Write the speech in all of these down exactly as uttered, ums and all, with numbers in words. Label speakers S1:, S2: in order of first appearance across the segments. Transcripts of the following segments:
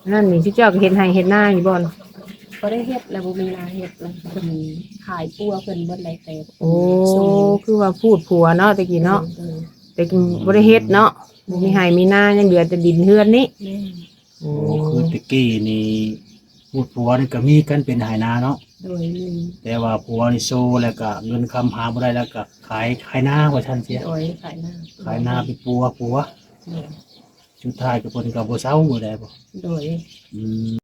S1: นั่นนี่ที่เจ้าก็เฮ็ดให้เฮ็ดหน้าอยู่บ่อน
S2: บ่ได้เฮ็ดแล้วบ่มีนาเฮ็ดแล้วเพิ่นขายปัวเพิ่นเบิดหลายแต่
S1: โอ้
S2: ส่ง
S1: คือว่าพูดผัวเนาะตะกี้
S2: เอ
S1: เนาะ
S2: อ
S1: แต่กี้บ่ได้เฮ็ดเนาะบ่มีให้มีหน้ายังเหลือแต่ดินเฮือนนี้
S2: ๆแม่น
S1: โอ้
S3: โอ้คือตะกี้นี่พูดผัวนี่ก็มีกันเป็นไหนาเนาะ
S2: โดยมี
S3: แต่ว่าผัวนี่โซแล้วก็เงินคำหาบ่ได้แล้วก็ขายขายหน้าว่าซั่นเสีย
S2: โดยขายหน้า
S3: ขายหน้าไปปัวปัว
S2: โดย
S3: สุดท้ายก็เพิ่นก็บ่เซาบ่ได้บ่
S2: โดย
S3: อืม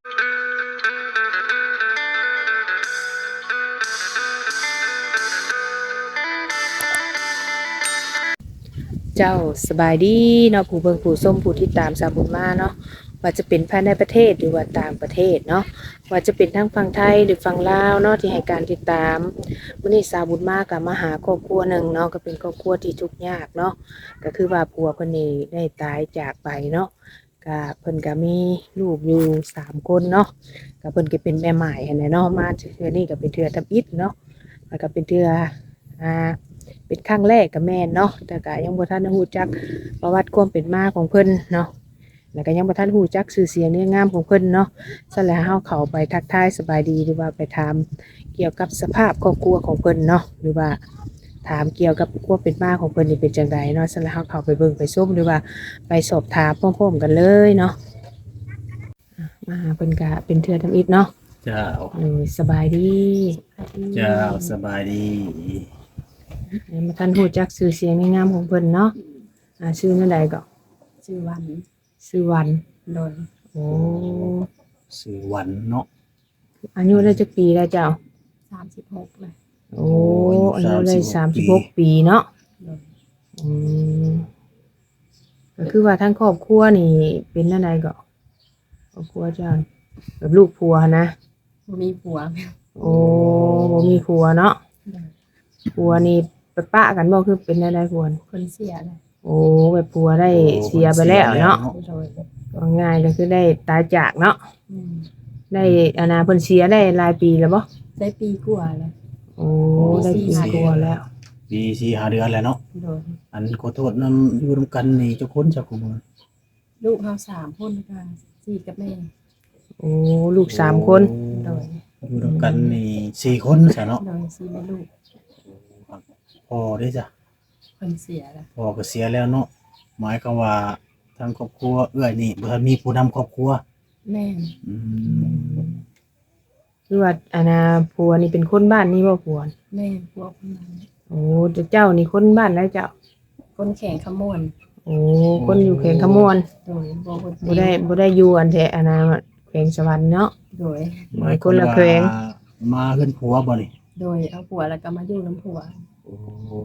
S1: เจ้าสบายดีเนาะผู้เบิ่งผู้ชมผู้ที่ตามสาวบุญมาเนาะว่าจะเป็นภายในประเทศหรือว่าต่างประเทศเนาะว่าจะเป็นทั้งฝั่งไทยหรือฝั่งลาวเนาะที่ให้การติดตามมื้อนี้สาวบุญมาก็มาหาครอบครัวหนึงเนาะก็เป็นครอบครัวที่ทุกข์ยากเนาะก็คือว่าผัวเพิ่นนี่ได้ตายจากไปเนาะก็เพิ่นก็มีลูกอยู่สามคนเนาะก็เพิ่นก็เป็นแม่ใหม่หั้นแหละเนาะมาเทื่อนี้ก็เป็นเทื่อทำอิฐเนาะแล้วก็เป็นเทื่ออ่า เป็นครั้งแรกกับแม่นเนาะแต่ก็ยังบ่ทันได้ฮู้จักประวัติความเป็นมาของเพิ่นเนาะแล้วก็ยังบ่ทันฮู้จักชื่อเสียงเรียงนามของเพิ่นเนาะซั่นแล้วเฮาเข้าไปทักทายสบายดีหรือว่าไปถามเกี่ยวกับสภาพครอบครัวของเพิ่นเนาะหรือว่าถามเกี่ยวกับความเป็นมาของเพิ่นนี่เป็นจังไดเนาะซั่นแล้วเฮาเข้าไปเบิ่งไปชมหรือว่าไปสอบถามพร้อมๆกันเลยเนาะมาหาเพิ่นก็เป็นเทื่อทำอิฐเนาะ
S3: เจ้า
S1: เออสบายดี
S3: เจ้าสบายดี
S1: ยังบ่ทันฮู้จักชื่อเสียงเรียงนามของเพิ่นเนาะอ่าชื่อนั่นใดก็
S2: ชื่อวัน
S1: ชื่อวัน
S2: โดย
S1: โอ้
S3: ชื่อวันเนาะ
S1: อายุได้จักปีแล้วเจ้า
S2: สามสิบหกเลย
S1: โอ้อายุได้สามสิบหกปีเนาะ
S2: โดย
S1: อืมก็คือว่าทั้งครอบครัวนี่เป็นจั่งใดก็ครอบครัวเจ้าแบบลูกผัวนะ
S2: บ่มีผัว
S1: โอ้บ่มีผัวเนาะผัวนี่ไปปะกันบ่คือเป็นจั่งใดผัว
S2: เพิ่นเสียเลย
S1: โอ้แบบผัวได้เสียไปแล้วเนาะ
S2: โดย
S1: ก็ง่ายก็คือได้ตายจากเนาะ
S2: อืม
S1: ได้อานาเพิ่นเสียได้หลายปีแล้วบ่
S2: ได้ปีกว่าแล้ว
S1: โอ้ได้ปีกว่าแล้ว
S3: ปีสี่ห้าเดือนแล้วเนาะ
S2: โดย
S3: อันขอโทษนำอยู่นํกันนี่เจ้าคนเจ้าของมัน
S2: ลูกเฮาสามคนค่ะสี่กับแม่
S1: โอ้ลูกสามคน
S2: โดย
S3: อยู่นํกันนี่สี่คนซะเนาะ
S2: โดยสี่แม่ลูก
S3: พ่อเด้จ้ะ
S2: เพิ่นเสียแล้ว
S3: พ่อก็เสียแล้วเนาะหมายความว่าทางครอบครัวเอื้อยนี่บ่ทันมีผู้นำครอบครัว
S2: แม่น
S3: อืม
S1: คือว่าอานาผัวนี่เป็นคนบ้านนี่บ่ผัว
S2: แม่นพวกคนนั้น
S1: โอ้เจ้านี่คนบ้านแล้วเจ้า
S2: คนแข่งขมวน
S1: โอ้คนอยู่แขวงขมวน
S2: โดยบ่คน
S1: บ่ได้บ่ได้อยู่อันแท้อานาแขวงสวรรค์เนาะ
S2: โดย
S3: หมายคนละแขวงมาเฮือนผัวบ่นี่
S2: โดยเอาผัวแล้วก็มาอยู่นํผัว
S3: โอ้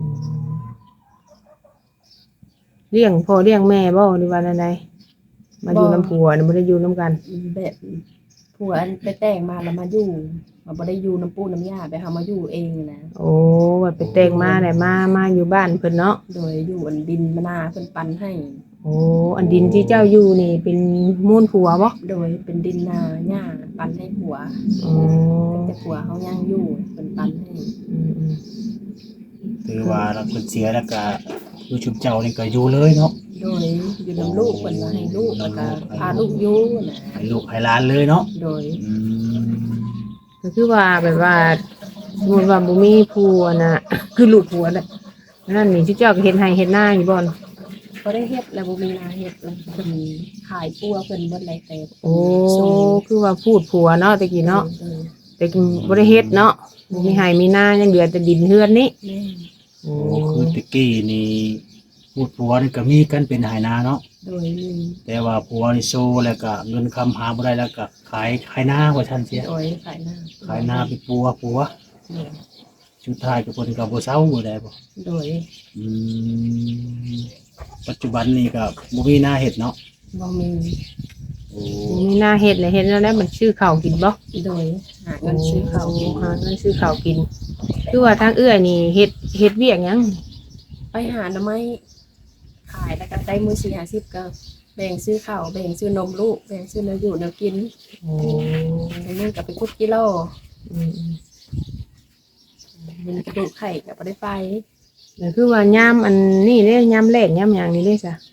S1: เลี้ยงพ่อเลี้ยงแม่บ่หรือว่าจังไดมาอยู่นำผัวนี่บ่ได้อยู่นำกัน
S2: แบบผัวอันไปแต่งมาแล้วมาอยู่มาบ่ได้อยู่น้ำปูน้ำยาไปเฮามาอยู่เองนะ
S1: โอ้ว่าไปแต่งมาได้มามาอยู่บ้านเพิ่นเนาะ
S2: โดยอยู่อันดินมะนาเพิ่นปันให้
S1: โอ้อันดินที่เจ้าอยู่นี่เป็นมูลผัวบ่
S2: โดยเป็นดินนาหญ้าปันให้ผัว
S1: อ๋อ
S2: แต่ผัวเฮายังอยู่เพิ่นปันให้
S1: อืม
S3: ๆถือว่าเราเพิ่นเสียแล้วก็อยู่ชุมเจ้านี่ก็อยู่เลยเนาะ
S2: โดยอยู่นํลูกเพิ่นว่าให้ลูกแล้วก็พาลูกอยู่นะ
S3: ให้ลูกให้หลานเลยเนาะ
S2: โดย
S3: อืม
S1: ก็คือว่าแบบว่าสมมุติว่าบ่มีผัวน่ะคือลูกผัวน่ะนั่นนี่ที่เจ้าก็เฮ็ดให้เฮ็ดนาอยู่บ่
S2: บ่ได้เฮ็ดแล้วบ่มีนาเฮ็ดแล้วเพิ่นขายปัวเพิ่นเบิดหลายแต่
S1: โอ้คือว่าพูดผัวเนาะตะกี้เนาะแต่กี้บ่ได้เฮ็ดเนาะบ่มีให้มีนายังเหลือแต่ดินเฮือนนี้
S2: แม่
S3: โอ้คือตะกี้นี่พูดผัวนี่ก็มีกันเป็นไหนาเนาะ
S2: โดยมี
S3: แต่ว่าผัวนี่โซแล้วก็เงินคำหาบ่ได้แล้วก็ขายขายหน้าว่าซั่นเสีย
S2: โดยขายหน้า
S3: ขายหน้าไปปัวปัวสุดท้ายก็เพิ่นก็บ่เซาบ่ได้บ่
S2: โดย
S3: อืมปัจจุบันนี้ก็บ่มีหน้าเฮ็ดเนาะ
S2: บ่มี
S3: โอ้
S1: มีนาเฮ็ดเลยเฮ็ดแล้วแล้วมันชื่อข้าวกินบ่
S2: โดยหาเงินซื้อข้าวกิน
S1: หาเงินซื้อข้าวกินคือว่าทางเอื้อยนี่เฮ็ดเฮ็ดเวียกหยัง
S2: ไปหาหน่อไม้ขายแล้วก็ได้มื้อสี่ ห้าสิบก็แบ่งซื้อข้าวแบ่งซื้อนมลูกแบ่งซื้อแนวอยู่แนวกิน
S1: โอ้
S2: มื้อก็ไปขุดกิโล
S1: อืม
S2: มันกระดูกไข่ก็บ่ได้ไป
S1: ก็คือว่ายามอันนี้เด้ยามแรกยามหยังนี่เด้ซะ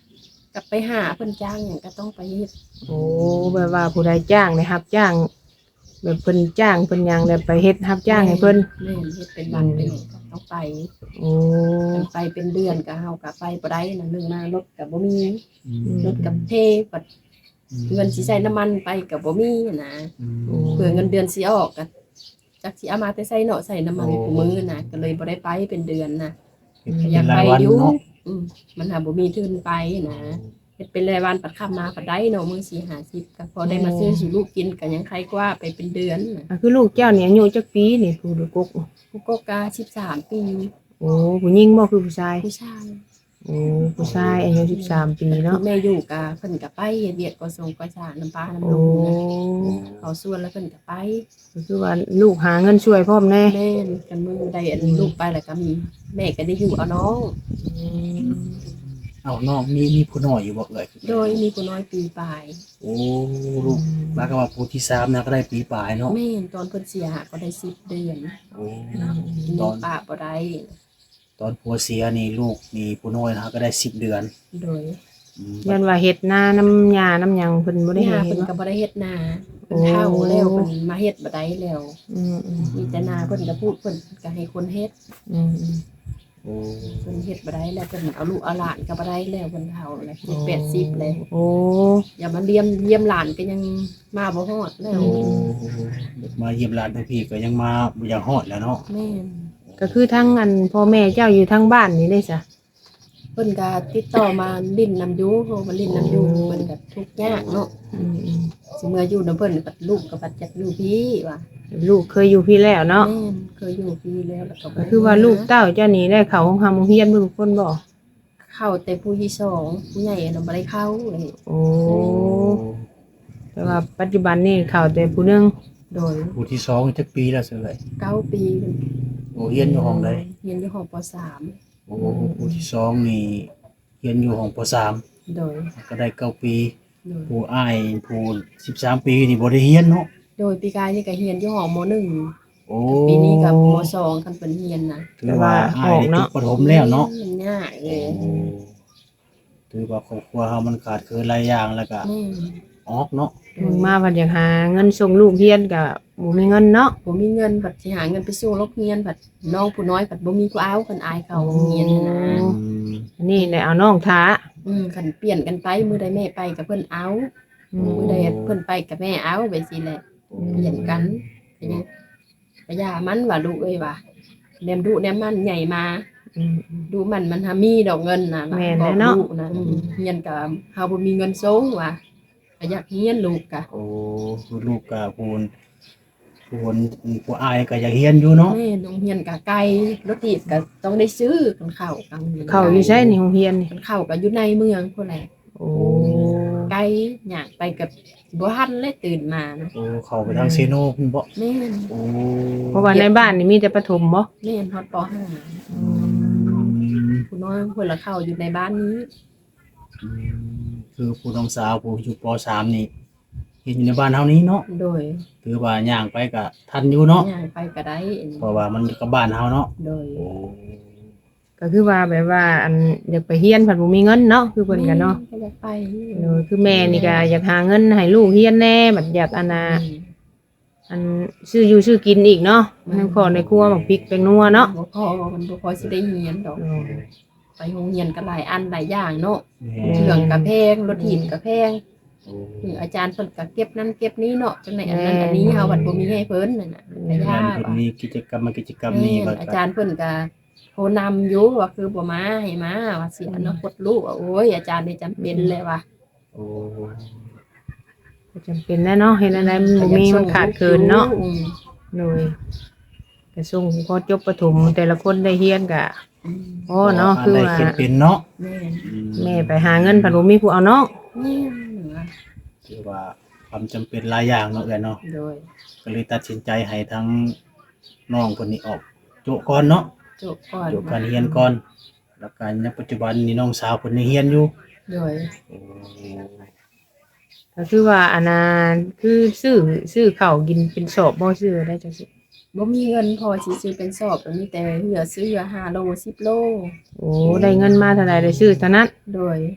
S2: กลับไปหาเพิ่นจ้างหยังก็ต้องไปเฮ็ด
S1: โอ้แบบว่าผู้ใดจ้างได้รับจ้าง แบบเพิ่นจ้างเพิ่นหยังแล้วไปเฮ็ดรับจ้างให้เพิ่น
S2: แม่นเฮ็ดเป็นวันเป็นหยังก็ต้องไป
S1: โอ้
S2: เพิ่นไปเป็นเดือนก็เฮาก็ไปบ่ได้นั่นนึงมารถก็บ่มี
S3: อืม
S2: รถกับเทบัดเงินสิใช้น้ำมันไปก็บ่มีนะ
S3: อืม
S2: เพื่อเงินเดือนสิออกก็จักสิเอามาแต่ใส่เนาะใส่น้ำมันกูมือน่ะก็เลยบ่ได้ไปเป็นเดือนน่ะ
S3: เฮ็ด
S2: ก็
S3: เป็น
S2: อยาก
S3: รา
S2: ไป
S3: ยวัน
S2: อยู่
S3: เนาะ
S2: อืมมันหาบ่มีทุนไปนะเฮ็ดเป็นรายวันปัดค่ามาปัดได้เนาะมื้อสี่ห้าสิบก็พอได้มาซื้อสู่ลูกกินก็ยังใครกว่าไปเป็นเดือนน่ะ
S1: อ่ะคือลูกเจ้านี่อายุจักปีนี่ผู้ลูกกก
S2: กูก็กาสิบสามปี
S1: โอ้ผู้หญิงบ่คือผู้ชาย
S2: ผู้ชาย
S1: โอ้ผู้ชายอายุสิบสามปีเนาะ
S2: แม่อยู่กะเพิ่นก็ไปเฮ็ดเวียกก็ส่งก็สร้างน้ำปลาน้ำ
S1: โอ้
S2: นมนะเขาส่วนแล้วเพิ่นก็ไป
S1: ก็คือว่าลูกหาเงินช่วยพร้อมแน่
S2: แม่นกันมือได้อันลูกไปแล้วก็มีแม่ก็ได้อยู่เอาน้อง
S1: อืม
S3: เอาน้องมีมีผู้น้อยอยู่บ่เอ่ย
S2: โดยมีผู้น้อยปีปลาย
S3: โอ้ลูกมาก็ว่าผู้ที่สามนะก็ได้ปีปลายเนาะ
S2: แม่นตอนเพิ่นเสียก็ได้สิบเดือน
S3: โอ้
S2: มี
S3: ตอน
S2: ป้าบ่ได้
S3: ตอนผัวเสียนี่ลูกมีผู้น้อยนะก็ได้สิบเดือน
S2: โดย
S3: อืม
S1: ยันว่าเฮ็ดนาน้ำยาน้ำหยังเพิ่นบ่ได้
S2: ย่า
S1: เฮ็ด
S2: เพิ่น
S1: เนาะ
S2: ก็บ่ได้เฮ็ดนาเพิ่นเฒ่าแล้วเพิ่นมาเฮ็ดบ่ได้แล้ว
S1: อืมอืม
S2: มีแต่นาเพิ่นก็พูดเพิ่นก็ให้คนเฮ็ด
S1: อืมอืม
S3: โอ้
S2: เพิ่นเฮ็ดบ่ได้แล้วเพิ่นเอาลูกเอาหลานก็บ่ได้แล้วเพิ่นเฒ่าแล้วเจ็ดแปดสิบเลย
S1: โอ้
S2: อย่ามาเยี่ยมเยี่ยมหลานก็ยังมาบ่ฮอดแล้ว
S3: โอ้มาเยี่ยมหลานทั้งพี่ก็ยังมาบ่อยากฮอดแล้วเนาะ
S2: แม่น
S1: ก็คือทั้งอันพ่อแม่เจ้าอยู่ทั้งบ้านนี่ได้ซะ
S2: เพิ่นก็ติดต่อมาลิ้นนำอยู่เพราะว่าลิ้นนำอยู่เพิ่นก็ทุกข์ยากเนาะ
S1: อืมอืม
S2: สิเมื่ออยู่นำเพิ่นปัดลูกก็ปัดจักอยู่พี่ว่า
S1: ลูกเคยอยู่พี่แล้วเนาะ
S2: แม่นเคยอยู่พี่แล้วแล้วก็บ่
S1: ก็คือว่าลูกเต้าเจ้านี่ได้เข้าโรงเรียนเบิ่งคนบ่
S2: เข้าแต่ผู้ที่สองผู้ใหญ่น่ะบ่ได้เข้าเลย
S1: โอ้แต่ว่าปัจจุบันนี่เข้าแต่ผู้หนึง
S2: โดย
S3: ผู้ที่สองจักปีแล้วเสย
S2: เก้าปีเพิ่น
S3: โอ้เรียนอยู่ห้องใด
S2: เรียนอยู่ห้องปสาม
S3: โอ้ผู้ที่สองนี่เรียนอยู่ห้องปสาม
S2: โดย
S3: ก็ได้เก้าปี
S2: โดย
S3: ผู้อ้ายผู้สิบสามปีนี่บ่ได้เรียนเนาะ
S2: โดยปีกายนี่ก็เรียนอยู่ห้องมหนึ่ง
S3: โอ้
S2: ปีนี้ก็มสองคันเพิ่นเรียนน่ะ
S3: ถือว่าอ้ายได้จบประถมแล้วเนาะ
S2: มันยากเลย
S3: ถือว่าครอบครัวเฮามันขาดเคินหลายอย่างแล้วก็
S2: แม่น
S3: ออกเนาะ
S1: มึงมาเพันอยากหาเงินส่งลูกเรียนก็บ่มีเงินเนาะ
S2: ผมมีเงินบัดสิหาเงินไปสู้โรงเรียนบัดน้องผู้น้อยบัดบ่มีผู้เอาเพิ่นอายเขาโรงเรียนน่ะนะ
S3: อืม
S1: อันนี้ได้เอาน้องท้า
S2: อืมคันเปลี่ยนกันไปมื้อใดแม่ไปกับเพิ่นเอา
S1: อืม
S2: มื้อใดเพิ่นไปกับแม่เอาไปสิแหละเปลี่ยนกันก็ยังก็ย่ามันว่าลูกเอ้ยว่าแนมดุแนมมันใหญ่มา
S1: อืมอืม
S2: ดูมันมันหามีดอกเงินน่ะ
S1: แม่น
S2: บ
S1: แล้
S2: อก
S1: วเนาะ
S2: ลูกนะอืมเรียนกับเฮาบ่มีเงินส่งว่ะก็อยากเรียนลูกกะ
S3: โอ้ลูกกับผู้ผู้ผู้อ้ายก็อยากเรียนอยู่เนาะ
S2: แม่โรงเรียนกะไกลรถติดก็ต้องได้ซื้อกันเข้ากัน
S1: เข้าอยู่ใช่ในโรงเรียนนี่
S2: กันเข้าก็อยู่ในเมืองพุ่นแหละ
S1: โอ้
S2: ไกลอยากไปกับบ่ทันเลยตื่นมานะ
S3: โอ้เข้าไปทางเซโนพุ่นบ่
S2: แม่น
S3: โอ้
S1: เพราะว่าในบ้านนี่มีแต่ประถมบ่
S2: แม่นฮอดปห้า
S3: อืม
S2: ผู้น้อยเพิ่นละเข้าอยู่ในบ้านนี้
S3: อืมคือผู้น้องสาวผู้อยู่ปสามนี่เฮ็ดอยู่ในบ้านเฮานี้เนาะ
S2: โดย
S3: ถือว่าย่างไปก็ทันอยู่เนาะ
S2: ย่างไปก็ได้
S3: เพราะว่ามันอยู่กับบ้านเฮาเนาะ
S2: โดย
S3: โอ้
S1: ก็คือว่าแบบว่าอันอยากไปเรียนเพิ่นบ่มีเงินเนาะคือเพิ่นก็เนาะ
S2: ก็อยากไป
S1: เออคือแม่นี่ก็อยากหาเงินให้ลูกเรียนแน่บัดอยากอันน่ะ
S2: อืม
S1: อันซื้ออยู่ซื้อกินอีกเนาะให้ขอในครัวบักพริกแป้งนัวเนาะ
S2: บ่พอมันบ่พอสิได้เรียนดอก ไปโรงเรียนก็หลายอันหลายอย่างเนาะ
S3: แม่
S2: เครื่องก็แพงรถหินก็แพง
S3: โอ้
S2: หรืออาจารย์เพิ่นก็เก็บนั่นเก็บนี้เนาะจังได๋อันนั้นอันนี้เฮาบัดบ่มีให้เพิ่นนั่นน่ะก็ยาก
S3: เพิ่น
S2: ว่ะ
S3: มีกิจกรรมมากิจกรรมนี้
S2: แม่
S3: บั
S2: น
S3: ด
S2: อา
S3: ก็
S2: จารย์เพิ่นก็โทรนำอยู่ว่าคือบ่มาให้มาว่าเสียอนาคตลูกว่าโอ้ยอาจารย์นี่จำเป็นเลยว่ะ
S3: โอ้
S1: ก็จำเป็นแน่เนาะเฮ็ดอะไรมันบ่มีมันขาดเกินเนาะ
S2: อืม
S1: โดยก็ส่งพอจบประถมแต่ละคนได้เรียนก็
S2: อืม
S1: โอ้เนาะคือ
S3: ได้
S1: ว่า
S3: เขียนเป็นเนาะ
S2: แม่น
S3: อื
S1: แม่ไปหาเงินเพิ่นบ่มีผู้เอาเนาะ
S2: แม่นเหนือ
S3: ถือว่าความจำเป็นหลายอย่างเนาะเอ้ยเนาะ
S2: โดย
S3: ก็เลยตัดสินใจให้ทั้งน้องคนนี้ออกโจก่อนเนาะ
S2: จบก่อน
S3: โจการเรียนก่อน แล้วการในปัจจุบันนี้น้องสาวคนนี้เรียนอยู่
S2: โดย
S3: โอ้
S1: ก็คือว่าอันน่ะคือซื้อซื้อข้าวกินเป็นสอบบ่ซื้อได้จังซี่
S2: บ่มีเงินพอสิซื้อเป็นสอบแล้วมีแต่เหลือซื้อห้าโลสิบโล
S1: โอ้ได้เงินมาเท่าใดได้ซื้อเท่านั้น
S2: โดย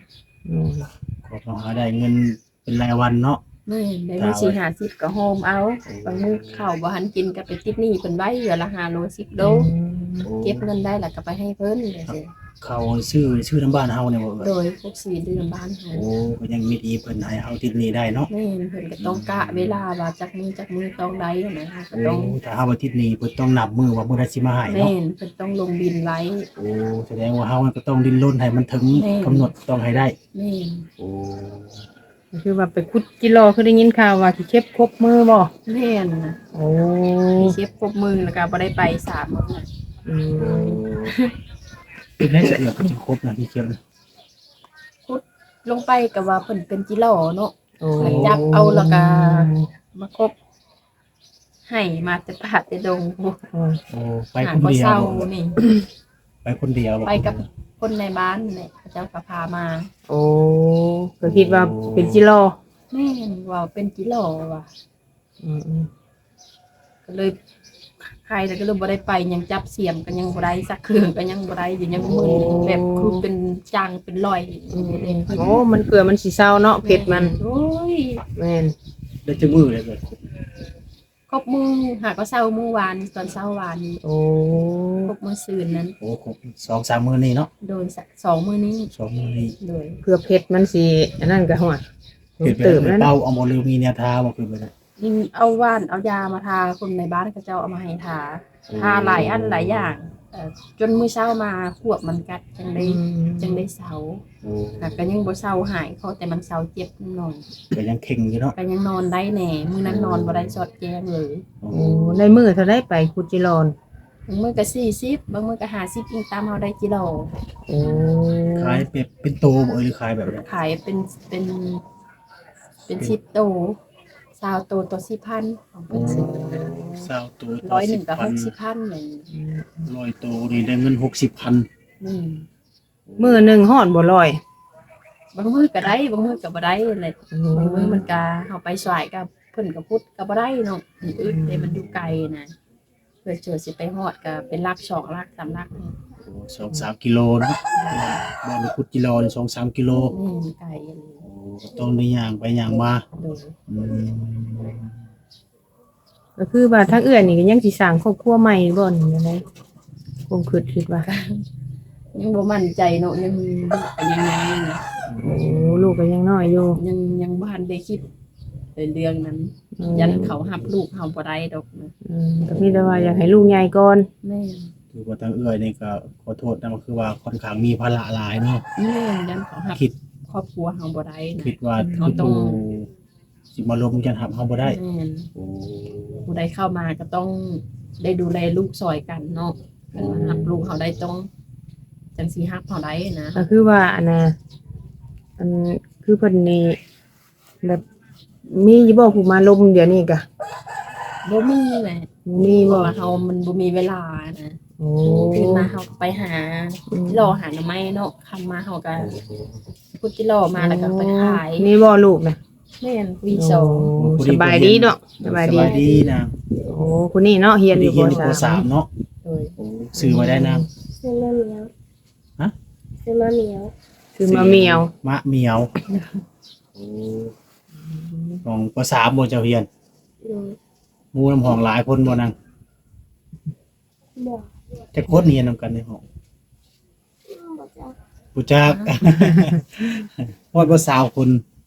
S1: อืม
S3: ก็ต้องหาได้เงินเป็นรายวันเนาะ
S2: แม่นได้มื้อสี่ห้าสิบก็โฮมเอาบางมื้อข้าวบ่ทันกินก็ไปติดหนี้เพิ่นไว้เดือนละห้าโลสิบโลเก็บเงินได้แล้วก็ไปให้เพิ่นจังซี่
S3: เขาซื้อซื้อน้ำบ้านเฮาเนี่ยบ่
S2: โด
S3: เอ่ย
S2: ยพวกชีวิตเดือนบ้านเฮา
S3: โอ้ก็ยังมีดีเพิ่นให้เฮาติดหนี้ได้เนาะ
S2: แม่นเพิ่นก็ต้องกะเวลาว่าจักมือจักมือต้องได้นะก็
S3: โอ้
S2: ต้อง
S3: ถ้าเฮาบ่ติดหนี้เพิ่นต้องนับมื้อว่ามื้อใดสิมาให้
S2: แม่
S3: เนาะ
S2: นเพิ่นต้องลงบินไว้
S3: โอ้แสดงว่าเฮาก็ต้องดิ้นรนให้มันถึง
S2: แม่
S3: กำหนดต้องให้ได้
S2: แม่น
S3: โอ้
S1: ก็คือว่าไปคุดกิโลคือได้ยินข่าวว่าสิเก็บครบมือบ่
S2: แม่นนะ
S1: โอ้
S2: มีเชฟครบมือแล้วก็บ่ได้ไปสามมื้อ
S1: อืม
S3: เป็นได้เสียก็สิครบนะพี่เขียว
S2: พุดลงไปก็ว่าเพิ่นเป็นจิหล่อเนาะ
S1: โอ้
S2: ไปจับเอาแล้วก็ มาครบให้มาแต่ป่าแต่ดงพวก
S1: โอ้
S3: โอ้ไป
S2: หา
S3: คน
S2: บ่
S3: เดียว
S2: เศร้า
S3: บ่
S2: นี่
S3: ไปคนเดียวบ่
S2: ไปกับคนในบ้านนี่แหละเขาเจ้าก็พามา
S1: โอ้ก็คิดว่าเป็นจิโล
S2: แม่นว่าเป็นจิหล่อว่ะ
S1: อืมอืม
S2: ก็เลยใครแต่ก็เลยบ่ได้ไปยังจับเสียมกันยังบ่ได้สักเครื่องก็ยังบ่ได้อยู่ยังมึนแบบคือเป็นจางเป็นรอย
S1: อืมอืมโอ้มันเกลือมันสิเศร้าเนาะเผ็ดมัน
S2: โอ้ย
S1: แม่น
S3: ได้จังมือเลยเบิด
S2: ครบมือหาก็เช้ามื้อวานตอนเช้าวาน
S1: โอ้
S2: ครบมื้อซืนนั้น
S3: โอ้ครบสองสามมื้อนี้เนาะ
S2: โดนสักสองมื้อนี้
S3: สองมื้อนี้
S2: โดย
S1: เพื่อเผ็ดมันสิอันนั้นก็หัว
S3: เฮ็ดไป
S1: เติม
S3: เล
S1: แล้
S3: ยว
S1: นะ
S3: เป้าเอาบ่ลืมมีแนวทางบ่คือไปได้
S2: ยิ่งเอาว่านเอายามาทาคนในบ้านเขาเจ้าเอามาให้ทาทาหลายอันหลายอย่างเอ่อจนมื้อเช้ามาขวบมันกัดจังได้จังได้เซา
S3: โอ้
S2: ค่ะก็ยังบ่เซาหายเขาแต่มันเซาเจ็บหน่อย
S3: ก็ยังเข่งอยู่เนาะ
S2: ก็ยังนอนได้แหน่มื้อนั้นนอนบ่ได้สอดแจ้งเลย
S3: โอ้
S1: โอ้ในมือเท่าได้ไปคุดจิโลน
S2: บางมื้อก็สี่สิบบางมื้อก็ห้าสิบอิงตามเฮาได้กิโล
S1: โอ้
S3: ขายเป็ดเป็นโตบ่เอ่ยหรือขายแบบใด
S2: ขายเป็นเป็นเป็นสิบโตซาวโตตัวสิบพันของเพิ่นซื้อ
S3: เศร้าตัว
S2: ร้อยหนึ่งกับห
S3: พัน
S2: กสิบพันเลย
S3: ร้อยตัวนี่ได้เงินหกสิบพัน
S2: นี่
S1: มือหนึ่งห่อนบ่ลอย
S2: บางมื้อก็ได้บางมื้อก็บ่ได้เลยบางมื้อมันก็เฮาไปสายกับเพิ่นก็พุดก็บ่ได้เนาะมันอึดแต่มันอยู่ไกลนะเพื่อเจอสิไปฮอดก็เป็นลักสองลักสามลักนี่
S3: โอ้สองสามกิโลเนาะบ่ได้พุดกิโลนี่สองสามกิโล
S2: นี่มันไกลเลย
S3: โอ้ก็ต้องได้ย่างไปย่างมา
S2: โดย
S3: อืม
S1: ก็คือว่าทั้งเอื้อนี่ก็ยังสิสร้างครอบครัวใหม่บ่นี่จังได๋คงคิดคิดว่า
S2: ยังบ่มั่นใจเนาะยังยังยัง
S1: โอ้ลูกก็ยังน้อยอยู่
S2: ยังยังบ่ทันได้คิดในเรื่องนั้น
S1: อืม
S2: ยันเขาหับลูกเฮาบ่ได้ดอกนะ
S1: อืมก็มีแต่ว่าอยากให้ลูกใหญ่ก่อน
S2: แม่
S3: คือว่าทางเอื้อยนี่ก็ขอโทษนะก็คือว่าค่อนข้างมีภาระหลายเนาะ
S2: แม่ยันเขาหับ
S3: คิด
S2: ครอบครัวเฮาบ่ได้นะ
S3: คิดว่า
S2: เขาต้อง
S3: ผู้สิมาลงยันหับเฮาบ่ได้
S2: แม่น
S3: โอ้
S2: ผู้ใดเข้ามาก็ต้องได้ดูแลลูกซอยกันเนาะคันว่าหับลูกเฮาได้ต้องจังสิหับเฮาได้นะ
S1: ก็คือว่าอันน่ะอันคือเพิ่นนี่แบบมีอยู่บ่ผู้มาลมเดี๋ยวนี้ก็
S2: บ่มีแหละ
S1: มี
S2: เพ
S1: บ่
S2: ราะว่าเฮามันบ่มีเวลานะ
S1: โอ้
S2: ตื่นมาเฮาก็ไปหา
S1: อืม
S2: รอหาหน่อไม้เนาะคำมาเฮาก็พุดจิรอมาแล้วก็ไปขาย
S1: นี่บ่ลูกนะ
S2: แม่นวีสอง
S1: โอ้สบายดีเนาะสบายดี
S3: สบายดีนะ
S1: โอ้คนนี้เนาะเฮียนอยู่
S3: เรียน
S1: ป
S3: อยู่ป
S1: สา
S3: สาม มเนาะ
S2: โดย
S3: โอ้ซื้อมาได้นะ
S4: ซื้อมะเหมียว
S3: ฮะ
S4: ซื้อมะเหมียว
S1: คือมาเมียว
S3: มะเหมียวโอ้ของปสามบ่เจ้าเฮียน
S4: ดู
S3: หมู่น้ำห้องหลายคนบ่นาง
S4: บอก
S3: จะคนเรียนนำกันในห้อง
S4: บอกจะ
S3: ผู้จัก ฮอดบ่สาวคน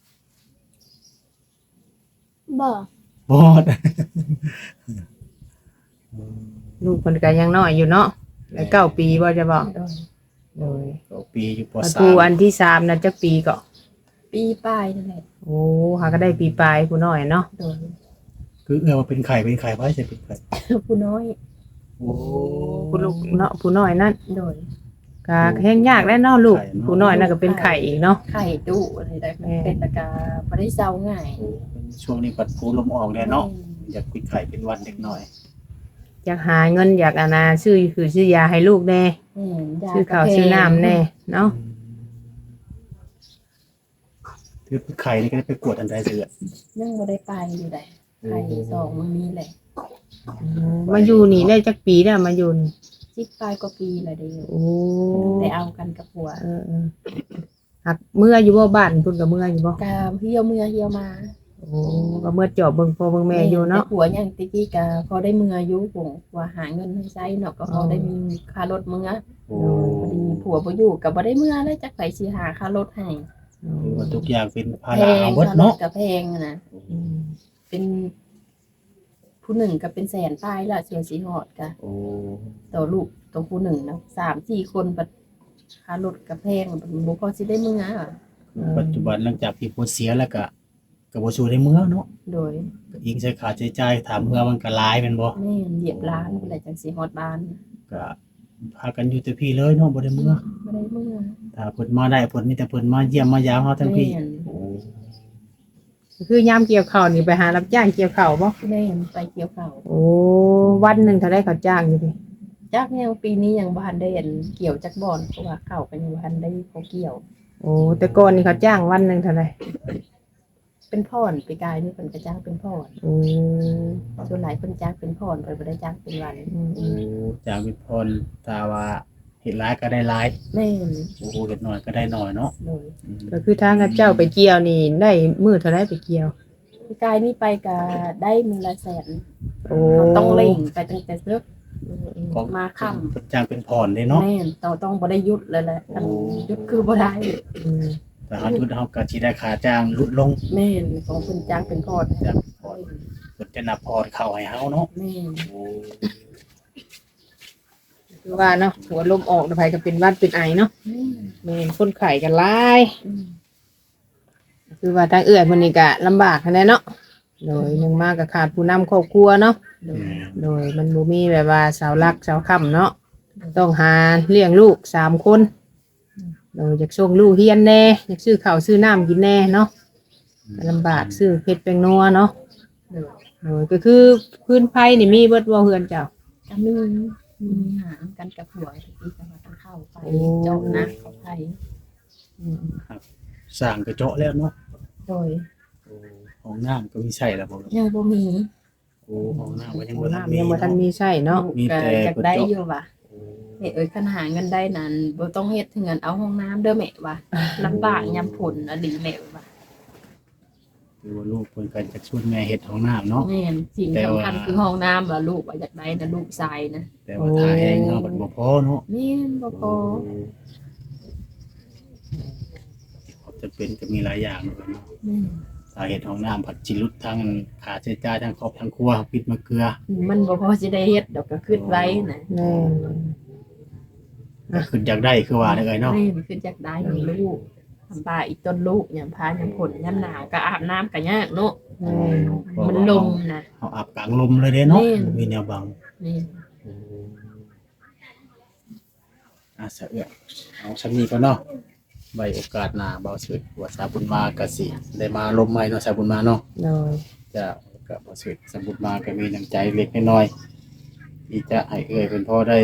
S4: บอก
S3: บอด
S1: ลูกเพิ่นก็ยังน้อยอยู่เนาะแล้วเก้าปีบ่จะบอก
S2: โดย
S1: โดย
S3: ก็ปีอยู่ป
S1: ประ
S3: สา
S1: ตู
S3: ม
S1: อันที่สามน่ะจักปีก็
S2: ปีป้ายนั่นแหละ
S1: โอ้หาก็ได้ปีปลายผู้น้อยเนาะ
S2: โดย
S3: คือเอื้อว่าเป็นไข่เป็นไข่ไว้ใช่เป็นไข่
S2: ผู้น้อย
S3: โอ้
S1: ผู้ลูกเนาะผู้น้อยนั่น
S2: โดย
S1: ก็แห้งยากแล้วเนาะลูกผู้น้อยนั่นก็เป็นไข่อีกเนาะ
S2: ไข่ดุอะไรได้
S1: แม่
S2: เป็นตะกาบ่ได้เซาง่าย
S3: เป็นช่วงนี้ปัดผูลมออกแน่เนาะอยากเป็นไข่เป็นหวันเด็กหน่อย
S1: อยากหาเงินอยากอานาซื้อคือซื้อยาให้ลูกแน่
S2: อืมยา
S1: ซื้อข้าวซื้อน้ำแน่เนาะ
S3: คือเป็นไข่นี่ก็ได้ไปกวดอันใดเสือ
S2: ยังบ่ได้ไปอยู่ได้ไข่สองมื้อนี้แหละ
S1: มาอยู่นี่ได้จักปีแล้วมาอยู่นี่
S2: สิบปลายกว่าปีแล้วเด้
S1: โอ้
S2: ได้เอากันกับผัว
S1: เออเออหหักเมื่ออยู่บ่บ้านเพิ่นก็เมื่ออยู่บ่
S2: กาเหี่ยวเมื่อเหี่ยวมา
S1: โอ้ก็เมื่อจอบเบิ่งพ่อเบิ่งแม่อยู่เนาะ
S2: แต่ผัวยังตะกี้กาพอได้เมื่ออยู่ผมว่าหาเงินให้ใช้เนาะก็พอได้มีค่ารถเมื่อ
S3: โอ้
S2: พอดีผัวบ่อยู่ก็บ่ได้เมื่อแล้วจักไผสิหาค่ารถให้
S3: ถือว่าทุกอย่างเป็นภา
S2: แพ
S3: ระ
S2: ง
S3: เอาเบิด
S2: ค่ารถ
S3: เนาะ
S2: ก็แพงอะนะ
S1: อืม
S2: เป็นผู้หนึ่งก็เป็นแสนป้ายละเสียสีหอดกะ
S3: โอ้
S2: ต่อลูกต่อผู้หนึ่งนะสามสี่คนบัดค่ารถก็แพงบัดบ่พอสิได้เมื่ออะ
S3: ปัจจุบันหลังจากที่ผัวเสียแล้วก็ก็บ่สู้ได้เมือเนาะ
S2: โดย
S3: ก็อิงใช้ค่าใช้จ่ายถามเมือมันก็หลายแม่นบ่
S2: แม่นเหยียบล้านพุ่นแหละจังสิฮอดบ้าน
S3: ก็พากันอยู่แต่พี่เลยเนาะบ่ได้เมือ
S2: บ่ได้เมื่อ
S3: ถ้าเพิ่นมาได้เพิ่นมีแต่เพิ่นมาเยี่ยมมายามเฮาทั้งพี่
S2: แม่น
S3: โอ้
S1: ก็คือยามเกี่ยวข้าวนี่ไปหารับจ้างเกี่ยวข้าวบ่
S2: แม่นไปเกี่ยวข้าว
S1: โอ้วันหนึงเท่าได้เขาจ้างอยู่พี่
S2: จักยังปีนี้ยังบ่ทันได้เห็นเกี่ยวจักบ่อนเพราะว่าข้าวก็ยังบ่ทันได้เขาเกี่ยว
S1: โอ้แต่ก่อนนี่เขาจ้างวันหนึงเท่าไหร่
S2: เป็นพ่อนปีกายนี่เพิ่นก็จ้างเป็นพ่อน
S1: โอ้
S2: ส่วนหลายเพิ่นจ้างเป็นพ่อนเพิ่นบ่ได้จ้างเป็นวัน
S1: อืม
S3: โอ้จากวิพรถ้าว่าเฮ็ดหลายก็ได้หลาย
S2: แม่น
S3: โอ้เฮ็ดน้อยก็ได้น้อยเนาะ
S2: โดย
S3: อืม
S1: ก็คือทางกับเจ้าไปเกี่ยวนี่ได้มื้อเท่าได้ไปเกี่ยว
S2: ปีกายนี่ไปก็ได้มือละแสน
S1: โอ้
S2: เราต้องเล่งไปตั้งแต่เลิก
S3: ของ
S2: มาค่ำ
S3: เพิ่นจ้างเป็นพรเด้เนาะ
S2: แม่นต้องต้องบ่ได้หยุดเลยแหละ
S3: โอ้
S2: หยุดคือบ่ได้
S1: อืม
S3: แต่เฮาทุดเฮาก็สิได้ค่าจ้างลดลง
S2: แม่นของเพิ่นจ้างเป็นพ่อน
S3: จากพรเพิ่นจะนับพรเข้าให้เฮาเนาะ
S2: แม่น
S3: โอ้
S1: คือว่าเนาะหัวลมออกแล้วไผก็เป็นหวัดเป็นไอเนาะ
S2: แม่น
S1: แม่นคนไข้กันหลาย
S2: อืม
S1: คือว่าทางเอื้อยเพิ่นนี่ก็ลำบากหั้นแหละเนาะโดยหนึงมาก็ขาดผู้นำครอบครัวเนาะ
S2: โด
S3: อื
S2: ย
S3: ม
S1: โดยมันบ่มีแบบว่าเสาหลักเสาค้ำเนาะต้องหาเลี้ยงลูกสามคนโดยอยากส่งลูกเรียนแน่อยากซื้อข้าวซื้อน้ำกินแน่เนาะก็ลำบากซื้อเผ็ดแป้งนัวเนาะ
S2: โดย
S1: โดยก็คือพื้นไผนี่มีเบิดบ่เฮือนเจ้า
S2: ก็มีมีหางกันกับผัวที่จะมากันเข้าไป
S1: โอ้
S2: เจ้านะเขาไป
S3: สร้างกระเจาะแล้วเนาะ
S2: โดย
S3: โอ้ห้องน้ำก็มีใช่แล้วบ่ลูก
S2: ยังบ่มี
S3: โอ้ห้องน้ำก็ยัง
S1: โอ้
S3: บ่ทันมี
S1: น้ำยังบ่ทันมีใช้เนาะ
S3: มี
S2: ก็
S3: แต่
S2: อยากได้
S3: กระจก
S2: อยู่ว่ะ
S3: โอ้
S2: เฮ็ดเอ้ยคันหาเงินได้นั้นบ่ต้องเฮ็ดถึงเงินเอาห้องน้ำเด้อแม่ว่ะลำบากยามฝนอดีแม่ว่ะ
S3: คือว่าลูกเพิ่นก็จะชวนแม่เฮ็ดห้องน้ำเนาะ
S2: แม่นสิ่ง
S3: แต่
S2: สำ
S3: ว่า
S2: คัญคือห้องน้ำว่ะลูกว่าอยากได้นะลูกชายนะ
S3: แต่ว่าถ้าแห้งเนาะมันบ่พอเนาะ
S2: แม่นบ่พอ
S3: จะเป็นก็มีหลายอย่างเลยเนาะ
S2: แม่น
S3: สาเหตุของน้ำผัดจิรุดทั้งค่าใช้จ่ายทั้งครอบทั้งครัวปิดมะเกลือ
S2: มันบ่พอสิได้เฮ็ดดอกก็คิดไว้นะ
S1: แม่น
S3: ก็คืออยากได้คือว่าได้เลยเนาะ
S2: แม่นคืออยากได้ลูกทำปลาอีกต้นลูกยามพายามฝนยามหนาวก็อาบน้ำก็ยากเนาะ
S1: แม่น
S2: มันลมนะ
S3: เอาอาบกลางลมเลยเด้เนาะ
S2: แม่น
S3: มีแนวบัง
S2: นี่
S3: อ่ะสะเอื้อเอาชั้นนี้ก็เนาะใบโอกาสหน้าเบาสุดว่าสาบุญมากะสิได้มาลมใหม่เนาะสาบุญมาเนาะ
S1: โดย
S3: จะกับบ่สุดสาบุญมาก็มีน้ำใจเล็กน้อยที่จะให้เอื้อยเพิ่นพอได้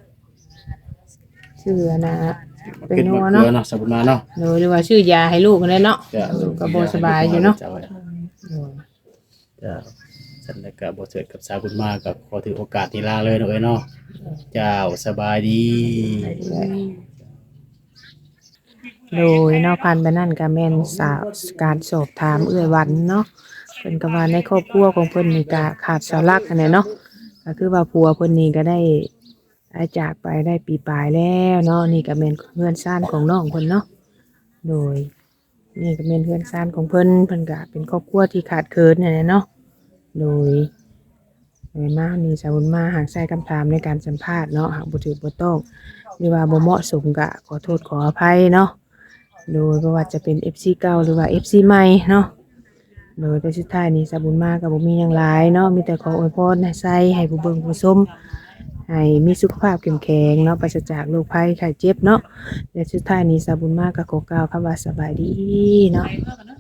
S1: ชื่อนะ เป็น
S3: ขึ้น
S1: นั
S3: มาว เก
S1: เนาะ
S3: ลือเนาะสาบุญมาเนาะ
S1: โดยหรือว่าชื่อยาให้ลูกนั่นแหละเนาะ
S3: จะ
S1: ลูกก็บ่สบายอยู่เนาะ
S3: จะ
S1: โดย
S3: จะสันแล้วก็บ่เสิร์ชกับสาวบุญมากับขอถือโอกาสที่ลาเลยเนาะเอ้ยเนาะเจ้าสบายดี
S1: โดยเนาะพันไปนั่นก็แม่นสาวการสอบถามเอื้อยวันเนาะเพิ่นก็ว่าในครอบครัวของเพิ่นนี่ก็ขาดเสาหลักอันนี้เนาะก็คือว่าผัวเพิ่นนี่ก็ได้ได้จากไปได้ปีปลายแล้วเนาะนี่ก็แม่นเพื่อนซ่านของน้องเพิ่นเนาะโดยนี่ก็แม่นเพื่อนซ่านของเพิ่นเพิ่นก็เป็นครอบครัวที่ขาดเคินนั่นแหละเนาะโดยโดยมานี่สาวบุญมาหากใส่คำถามในการสัมภาษณ์เนาะหากบ่ถูกบ่ต้องหรือว่าบ่เหมาะสมก็ขอโทษขออภัยเนาะ โดยบ่ว่าจะเป็น เอฟ ซี เก่าหรือว่า เอฟ ซี ใหม่เนาะ โดยแต่สุดท้ายนี่สาบุญมาก็บ่มีหยังหลายเนาะ มีแต่ขออวยพรให้ใส่ให้ผู้เบิ่งผู้ชมให้มีสุขภาพเข้มแข็งเนาะปราศจากโรคภัยไข้เจ็บเนาะและสุดท้ายนี้สาบุญมาก็ขอกล่าวคำว่าสบายดีเนาะ